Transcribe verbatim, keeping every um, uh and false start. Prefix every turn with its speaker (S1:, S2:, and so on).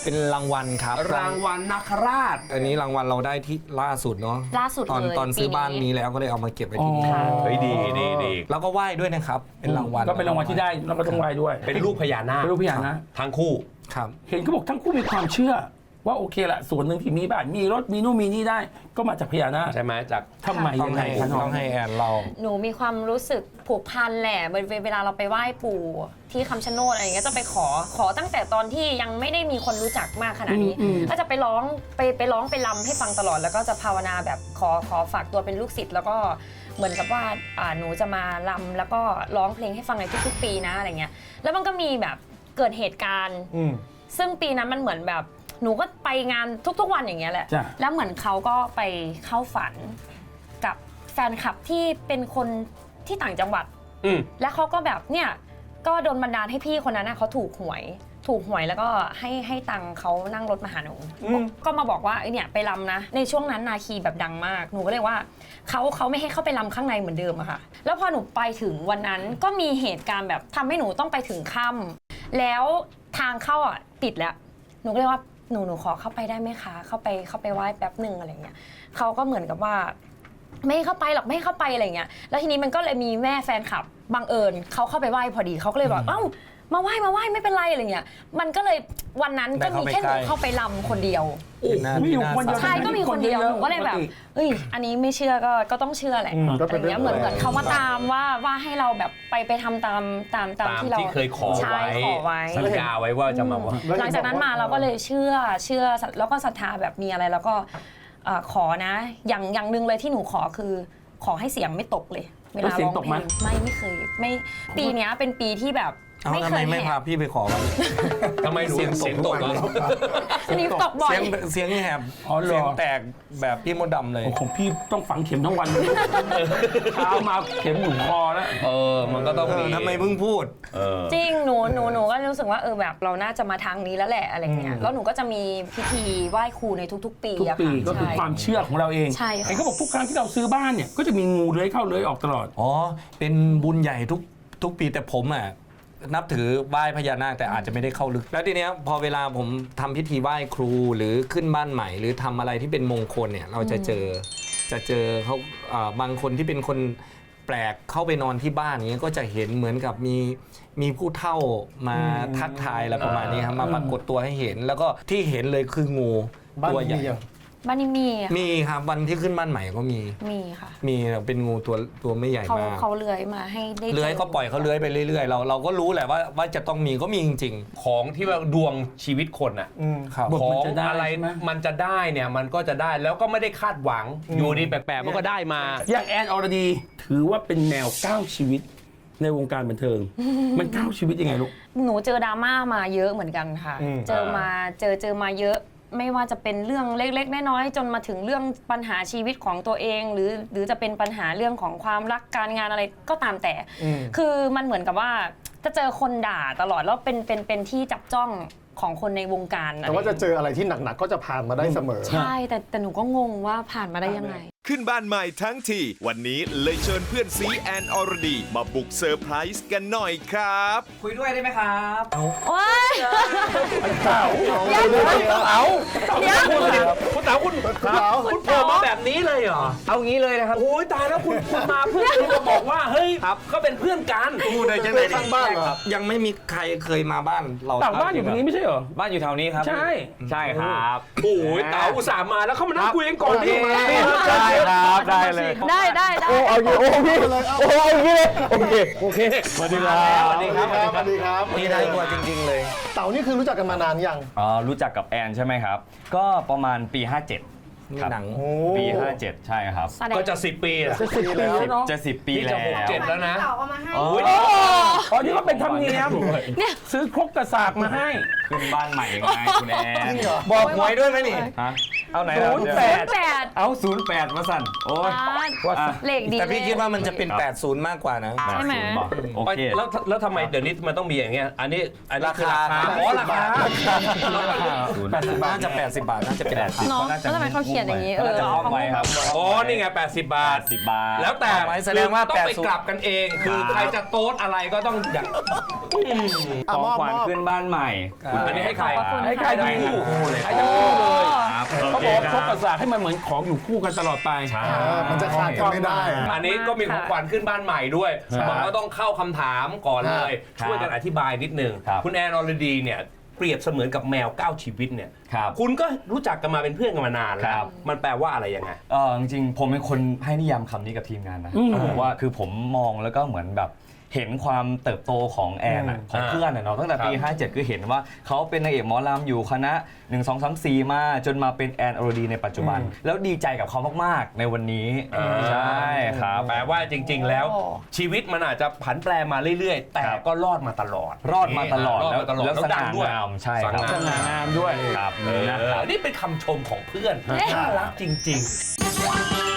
S1: เป็นรางวัลครับ
S2: รางวัลนาคราช
S1: อันนี้รางวัลเราได้ที่ล่าสุดเนาะ
S3: ล่าสุด
S1: ตอน
S3: เลย
S1: ตอนซื้อบ้านนี้แล้วก็เลยเอามาเก็บไว้ที่นี่
S2: เฮ้ยดีดีดี
S1: แล้วก็ไหว้ด้วยนะครับเป็นรางวัล
S4: ก็เป็นรางวัลที่ได้แล้วก็ต้องไหว้ด้วย
S2: เป็นรูปพญานาค
S4: เป็นรูปพญานาค
S2: ทั้งคู่
S1: ครับ
S4: เห็นเขาบอกทั้งคู่มีความเชื่อ ว่าโอเคละส่วนหนึ่งที่มีบ้านมีรถมีนู่นมีนี่ได้ ก็มาจากพญานาค
S2: ใช่ไหมจาก
S4: ทำไม
S1: ต้อ
S4: ยัง งไง
S1: ให้
S4: คะน้
S1: ต้
S4: อ
S1: อง งให้แอนเรา
S3: หนูมีความรู้สึกผูกพันแหละเวลาเราไปไหว้ปู่ที่คำชะโนดอะไรอย่างเงี้ยจะไปขอขอตั้งแต่ตอนที่ยังไม่ได้มีคนรู้จักมากขนาดนี้ก็จะไปร้องไปไปร้องไปรำให้ฟังตลอดแล้วก็จะภาวนาแบบขอขอฝากตัวเป็นลูกศิษย์แล้วก็เหมือนกับว่าอ่าหนูจะมารำแล้วก็ร้องเพลงให้ฟังในทุกๆปีนะอะไรเงี้ยแล้วมันก็มีแบบเกิดเหตุการณ์ซึ่งปีนั้นมันเหมือนแบบหนูก็ไปงานทุกๆวันอย่างเงี้ยแหละแล้วเหมือนเขาก็ไปเข้าฝันกับแฟนคลับที่เป็นคนที่ต่างจังหวัดแล้วเขาก็แบบเนี่ยก็โดนบันดาลให้พี่คนนั้นนะเขาถูกหวยถูกหวยแล้วก็ให้ให้ตังค์เขานั่งรถมาหาหนูก็มาบอกว่าไอเนี่ยไปรำนะในช่วงนั้นนาคีแบบดังมากหนูก็เลยว่าเขาเขาไม่ให้เข้าไปรำข้างในเหมือนเดิมอะค่ะแล้วพอหนูไปถึงวันนั้นก็มีเหตุการณ์แบบทำให้หนูต้องไปถึงค่ำแล้วทางเข้าอ่ะปิดแล้วหนูก็เลยว่าหนูหนูขอเข้าไปได้ไหมคะเข้าไปเข้าไปไหว้แป๊บหนึ่งอะไรเงี้ยเขาก็เหมือนกับว่าไม่ให้เข้าไปหรอกไม่ให้เข้าไปอะไรเงี้ยแล้วทีนี้มันก็เลยมีแม่แฟนคลับบังเอิญเขาเข้าไปไหว้พอดีเขาก็เลยบอกเอ้ามาไหว้มาไหว้ไม่เป็นไรอะไรเงี้ยมันก็เลยวันนั้นก็มีแค่หนูเข้าไปรำคนเดียว
S4: มีอยู่คนเดียว
S3: ใช่ก็มีคนเดียวหนูก็เลยแบบเอ้ยอันนี้ไม่เชื่อก็ก็ต้องเชื่อแหละอะไรเงี้ยเหมือนเหมือนเขามาตามว่าว่าให้เราแบบไปไปทำตามตามตามที่เรา
S2: ที่เคยขอไว้
S3: ขอไว้
S2: สัญญาไว้ว่าจะมา
S3: หลังจากนั้นมาเราก็เลยเชื่อเชื่อแล้วก็ศรัทธาแบบมีอะไรแล้วก็ขอนะอย่างอย่างหนึ่งเลยที่หนูขอคือขอให้เสียงไม่ตกเลยเวลาร้องเพลงไม่ไม่เคยไม่ปีนี้เป็นปีที่แบบ
S1: ไม่เคยไม่พาพี่ไปขอวัน
S2: ทำไมเสียงเสียงตกเลย
S3: นี่ตกบ่อย
S1: เสียงเสียงแหบเสียงแตกแบบพี่มดดำเลย
S4: ของพี่ต้องฝังเข็มทั้งวันเช้ามาเข็มหนุนคอแล้ว
S2: เออมันก็ต้องมี
S1: ทำไมเพิ่งพูด
S3: จริงหนูหนูหนูก็รู้สึกว่าเออแบบเราน่าจะมาทางนี้แล้วแหละอะไรเงี้ยแล้วหนูก็จะมีพิธีไหว้ครูในทุกๆปี
S4: ทุกปีก็คือความเชื่อของเราเอง
S3: ใช่ค่ะ
S4: เขาบอกทุกครั้งที่เราซื้อบ้านเนี่ยก็จะมีงูเลื้อยเข้าเลื้อยออกตลอด
S1: อ๋อเป็นบุญใหญ่ทุกทุกปีแต่ผมอ่ะนับถือไหว้พญานาคแต่อาจจะไม่ได้เข้าลึกแล้วทีเนี้ยพอเวลาผมทำพิธีไหว้ครูหรือขึ้นบ้านใหม่หรือทำอะไรที่เป็นมงคลเนี่ยเราจะเจอจะเจอเขาบางคนที่เป็นคนแปลกเข้าไปนอนที่บ้านอย่างเงี้ยก็จะเห็นเหมือนกับมีมีผู้เฒ่ามาทักทายอะไรประมาณนี้ครับมาปรากฏตัวให้เห็นแล้วก็ที่เห็นเลยคืองูตัวใหญ่
S3: บ้านนี้มี
S1: มีครับวันที่ขึ้นบ้านใหม่ก็มี
S3: มีค่ะ
S1: มีเป็นงูตัวตัวไม่ใหญ่มาก
S3: เขาเลื้อยมาให้ได้
S1: เลื้อยก็ปล่อยเขาเลื้อยไปเรื่อยๆเราเราก็รู้แหละว่าว่าจะต้องมีก็มีจริง
S2: ๆของที่ว่าดวงชีวิตคนอ่ะของอะไรมันจะได้เนี่ยมันก็จะได้แล้วก็ไม่ได้คาดหวังอยู่ดีแปลกๆมันก็ได้มา
S4: อย่างแอนอรดีถือว่าเป็นแนวก้าวชีวิตในวงการบันเทิงมันก้าวชีวิตยังไงลูก
S3: หนูเจอดราม่ามาเยอะเหมือนกันค่ะเจอมาเจอเจอมาเยอะไม่ว่าจะเป็นเรื่องเล็กๆน้อยๆจนมาถึงเรื่องปัญหาชีวิตของตัวเองหรือหรือจะเป็นปัญหาเรื่องของความรักการงานอะไรก็ตามแต่คือมันเหมือนกับว่าจะเจอคนด่าตลอดแล้วเป็นเป็นเป็นที่จับจ้องของคนในวงการ
S5: แต่ว่าจะเจออะไรที่หนักๆก็จะผ่านมาได้เสมอ
S3: ใช่แต่แต่หนูก็งงว่าผ่านมาได้ยังไง
S6: ขึ้นบ้านใหม่ทั้งทีวันนี้เลยเชิญเพื่อนซีแอนอรดีมาบุกเซอร์ไพรส์กันหน่อยครับ
S1: คุยด้วยได้ไหมครับ
S3: โอ๊ย
S4: เต่า
S2: เต่าเดี๋ยวคุณเต่าคุณคุณโผล่มาแบบนี้เลยเหรอ
S1: เอางี้เลยนะครับ
S2: โอ้ยตายแล้วคุณคุณมาเพื่อนคุณมาบอกว่าเฮ้ยก็เป็นเพื่อนกัน
S1: พูดได้จังเลยข้างบ้านครับยังไม่มีใครเคยมาบ้านเรา
S4: เต่าบ้านอยู่ตรงนี้ไม่ใช่เหรอ
S1: บ้านอยู่แถวนี้ครับ
S4: ใช่
S1: ใช่ครับ
S2: โอ้ยเต่าอุตส่าห์มาแล้วเขามานั่งคุยกันก่อนที่
S1: ได้ครับได้เลย
S3: ได้ได้ได้
S5: โอ้เอาอยู่โอ้พี่เลยโอ้เอาอย่างนี้เลยโอเค
S4: โอเค
S1: สวัสดีครับ
S5: สวัสดีครับสวัสดีครับ
S1: นี่ได้กว่าจริงๆเลย
S5: เต่านี่คือรู้จักกันมานานยัง
S7: อ๋อรู้จักกับแอนใช่ไหมครับก็ประมาณปีห้าเจ็ด
S1: ครับหนัง
S7: ปีห้าเจ็ดใช่ครับ
S2: ก็จะสิบปีอ่ะ
S4: จะสิบปีแล้วเนาะ
S7: จะสิบปีแล้ว
S2: จะหกเจ็ดแล้วนะ
S3: เต่าเอามาให้
S4: อ๋อนี่ก็เป็นธรรมเนียมเนี่ยซื้อครกกระสากมาให้
S7: ขึ้นบ้านใหม่ไงคุณแอน
S1: บอกหวยด้วยไหมนี่
S7: ฮะเอาไหน
S4: ศูนย์แปด
S3: แปด
S7: เอาศูนย์แปดมาสั่นโอ้ย
S3: อ่าเลขดี
S1: แต่พี่
S3: เลย
S1: คิดว่ามันจะเป็น แปดสิบ มากกว่านะ
S3: ใช่ไหม
S7: บอกโอเค
S2: แล้วแล้วทำไมเดี๋ยวนี้มันต้องมีอย่างเงี้ยอันนี้อันนี้คือราคา
S1: ราคา
S2: อ๋อราคา
S1: แปดสิบบาทน่าจะ แปดสิบบาทน่าจะเป็นราคา
S3: เนาะแล้วทำไมเขาเขียนอย่างนี้เออ
S7: น่าจะ
S3: เอา
S7: ห้องไว้ครับ
S2: อ๋อนี่ไงแปดสิบบาท
S7: สิบบาท
S2: แล้วแต่
S1: เอาไว้แสดงว่า
S2: ต้องไป
S1: แปดสิบ
S2: กลับกันเอง คือใครจะโต๊ดอะไรก็ต้องอยาก
S5: อ่ะ
S7: ของ
S5: มอบ
S7: ขวัญ
S5: มอบ
S7: ขึ้นบ้านใหม่
S2: อันนี้ให้ใคร
S3: ขอบคุณ
S4: ให้ใคร
S3: ค่ะ
S4: ทั้งคู่
S2: คู่เลย
S4: ให้ทั้งคู่เลย
S7: ครับ
S4: เขาบอกว่าเขาประสาทให้มันเหมือนของอยู่คู่กันตลอดไป
S5: อ่ามันจะขาดกันไม่ได้
S2: อันนี้ก็มีของขวัญขึ้นบ้านใหม่ด้วยมันก็ต้องเข้าคำถามก่อนเลย ช่วยกันอธิบายนิดนึง
S7: ครับ
S2: คุณแอนอรดีเนี่ยเปรียบเสมือนกับแมวเก้าชีวิตเนี่ย
S7: ครับ
S2: คุณก็รู้จักกันมาเป็นเพื่อนกันมานานแล้
S7: ครั
S2: ว
S7: บ
S2: มันแปลว่าอะไรยังไง
S7: เออจริงๆผมเป็นคนให้นิยามคำนี้กับทีมงานนะ
S4: อืม
S7: ผมว่าคือผมมองแล้วก็เหมือนแบบเห็นความเติบโตของแอนอะของ
S2: อ่า
S7: เพื่อนอะเนาะตั้งแต่ปี
S2: ครับ
S7: ห้าเจ็ดคือเห็นว่าเขาเป็นนางเอกหมอลำอยู่คณะหนึ่ง สอง สาม สี่มาจนมาเป็นแอนอรดีในปัจจุบัน แล้วดีใจกับเขามากๆในวันนี้ใช่ครับ
S2: แปลว่าจริง ๆ แล้ว
S3: โอ้
S2: ชีวิตมันอาจจะผันแปรมาเรื่อยๆ แต่
S7: ครับ
S2: ก็รอดมาตลอด
S7: รอดมาตลอด
S2: รอดมาตลอด
S7: แล้ว
S2: แล้ว
S7: ส
S2: ดั
S7: ง่าง
S2: ด้วย
S7: งามใช่ครับ
S4: สง่างามด้วย
S7: ครับ
S2: เออ
S7: นะครับ
S2: นี่เป็นคำชมของเพื่อนน่ารักจริง ๆ